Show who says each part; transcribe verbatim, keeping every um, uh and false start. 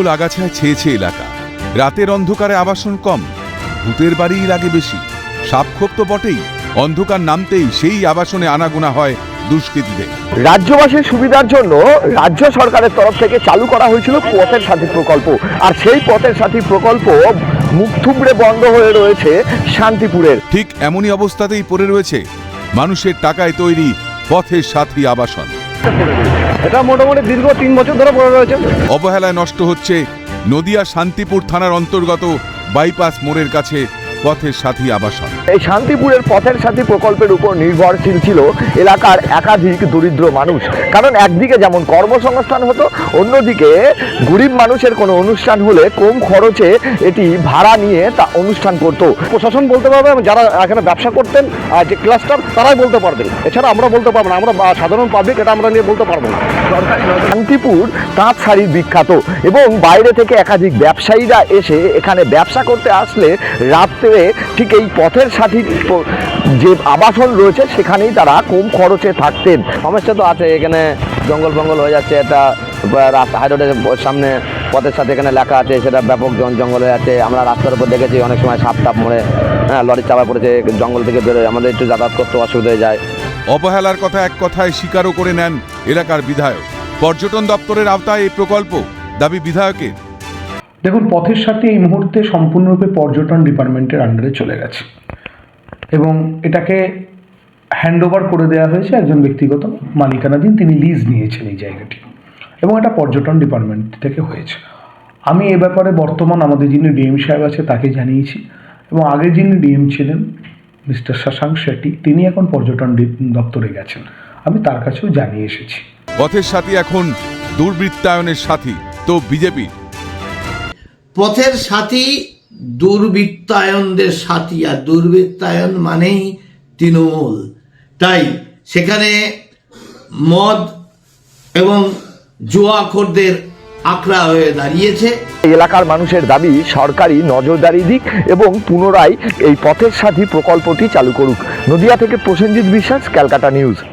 Speaker 1: জঙ্গল আগাছায় ছেয়েছে এলাকা। রাতের অন্ধকারে আবাসন কম, ভূতের বাড়িই লাগে বেশি। সাপখোপ তো বটেই, অন্ধকার নামতেই সেই আবাসনে আনাগোনা হয় দুষ্কৃতীদের।
Speaker 2: রাজ্যবাসীর সুবিধার জন্য রাজ্য সরকারের তরফ থেকে চালু করা হয়েছিল পথের সাথী প্রকল্প, আর সেই পথের সাথী প্রকল্প মুখ থুবড়ে বন্ধ হয়ে রয়েছে শান্তিপুরের।
Speaker 1: ঠিক এমনই অবস্থাতেই পড়ে রয়েছে মানুষের টাকায় তৈরি পথের সাথী আবাসন।
Speaker 2: এটা মোটামুটি দীর্ঘ তিন বছর ধরে পড়ে রয়েছে।
Speaker 1: অবহেলায় নষ্ট হচ্ছে নদিয়া শান্তিপুর থানার অন্তর্গত বাইপাস মোড়ের কাছে পথের সাথী আবাসন।
Speaker 2: এই শান্তিপুরের পথের সাথী প্রকল্পের উপর নির্ভরশীল ছিল এলাকার একাধিক দরিদ্র মানুষ। কারণ একদিকে যেমন কর্মসংস্থান হতো, অন্যদিকে গরিব মানুষের কোনো অনুষ্ঠান হলে কম খরচে এটি ভাড়া নিয়ে তা অনুষ্ঠান করত। প্রশাসন বলতে পারবে, যারা এখানে ব্যবসা করতেন যে ক্লাস্টার, তারাই বলতে পারবেন। এছাড়া আমরা বলতে পারবো না, আমরা সাধারণ পাবলিক এটা আমরা নিয়ে বলতে পারবো না। শান্তিপুর তাঁত শাড়ির বিখ্যাত এবং বাইরে থেকে একাধিক ব্যবসায়ীরা এসে এখানে ব্যবসা করতে আসলে রাত্রে ঠিক এই পথের সাথী যে আবাসন রয়েছে সেখানেই তারা কম খরচে থাকতেন। সমস্যা তো আছে, এখানে জঙ্গল ফঙ্গল হয়ে যাচ্ছে। এটা রাস্তা হাই রোডের সামনে পথের সাথে এখানে লেখা আছে, সেটা ব্যাপক জঙ্গল হয়ে যাচ্ছে। আমরা রাস্তার উপর দেখেছি অনেক সময় সাপ টাপ মরে, হ্যাঁ লরির চাপা পড়েছে, জঙ্গল থেকে বেরোয়, আমাদের একটু যাতায়াত করতে অসুবিধা হয়ে যায়।
Speaker 1: অবহেলার কথা এক কথায় স্বীকারও করে নেন এলাকার বিধায়ক। পর্যটন দপ্তরের আওতায় এই প্রকল্প, দাবি বিধায়কের।
Speaker 3: দেখুন, পথের সাথে এই মুহূর্তে সম্পূর্ণরূপে পর্যটন ডিপার্টমেন্টের আন্ডারে চলে গেছে এবং এটাকে হ্যান্ড ওভার করে দেওয়া হয়েছে একজন ব্যক্তিগত মালিকানাধীন, তিনি লিজ নিয়েছেন এই জায়গাটি এবং এটা পর্যটন ডিপার্টমেন্ট থেকে হয়েছে। আমি এ ব্যাপারে বর্তমান আমাদের যিনি ডিএম সাহেব আছে তাকে জানিয়েছি এবং আগে যিনি ডিএম ছিলেন মিস্টার শশাঙ্ক শেট্টি, তিনি এখন পর্যটন দপ্তরে গেছেন, আমি তার কাছেও জানিয়ে এসেছি।
Speaker 1: পথের সাথী এখন দুর্বৃত্তায়নের সাথী তো বিজেপি।
Speaker 4: পথের সাথী দুর্বৃত্তায়নদের সাথী, আর দুর্বৃত্তায়ন মানেই তৃণমূল। তাই সেখানে মদ এবং জুয়াখোরদের আখড়া হয়ে দাঁড়িয়েছে।
Speaker 2: এলাকার মানুষের দাবি সরকারি নজরদারি দিক এবং পুনরায় এই পথের সাথী প্রকল্পটি চালু করুক। নদিয়া থেকে প্রসেনজিৎ বিশ্বাস, ক্যালকাটা নিউজ।